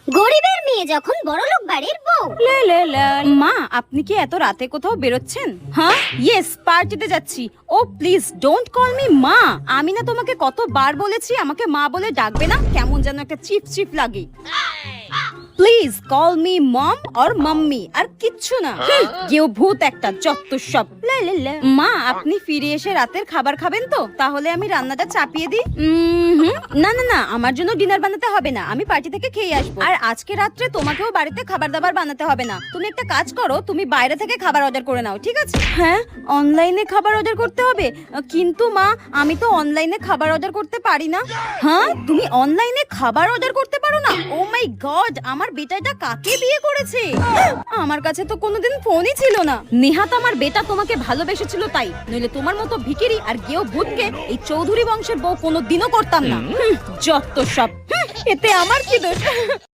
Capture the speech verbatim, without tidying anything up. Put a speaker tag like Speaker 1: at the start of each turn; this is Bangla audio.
Speaker 1: গরিবের মেয়ে যখন বড়লোক বাড়ির বউ।
Speaker 2: লে লে লে। মা, আপনি কি এত রাতে কোথাও বেরোচ্ছেন? হ্যাঁ, ইয়েস, পার্টিতে যাচ্ছি। ও প্লিজ ডোন্ট কল মি মা। আমি না তোমাকে কতবার বলেছি আমাকে মা বলে ডাকবে না, কেমন যেন একটা চিপ চিপ লাগে। Please call me mom or mummy, আর কিচ্ছু না। কেউ ভূত একটা, যত সব। লে লে লে। মা, আপনি ফিরে এসে রাতের খাবার খাবেন তো? তাহলে আমি রান্নাটা চাপিয়ে দিই। উম, না না না, আমার জন্য ডিনার বানাতে হবে না, আমি পার্টি থেকে খেয়ে আসবো। আর আজকে রাত্রে তোমাকেও বাড়িতে খাবার দাবার বানাতে হবে না। তুমি একটা কাজ করো, তুমি বাইরে থেকে খাবার অর্ডার করে নাও, ঠিক আছে? হ্যাঁ, অনলাইনে খাবার অর্ডার করতে হবে? কিন্তু মা, আমি তো অনলাইনে খাবার অর্ডার করতে পারি না। হ্যাঁ, তুমি অনলাইনে খাবার অর্ডার করতে পারো না? ও মাই গড, আমার বেটাটা কাকে বিয়ে করেছে? আমার কাছে তো কোনোদিন ফোনই ছিল না। নেহাত আমার বেটা তোমাকে ভালোবেসেছিল তাই, নইলে তোমার মতো ভিখিরি আর গেও ভূতকে এই চৌধুরী বংশের বউ কোনোদিনও করতাম না। হুম, যত সব। হুম, এতে আমার কি দোষ?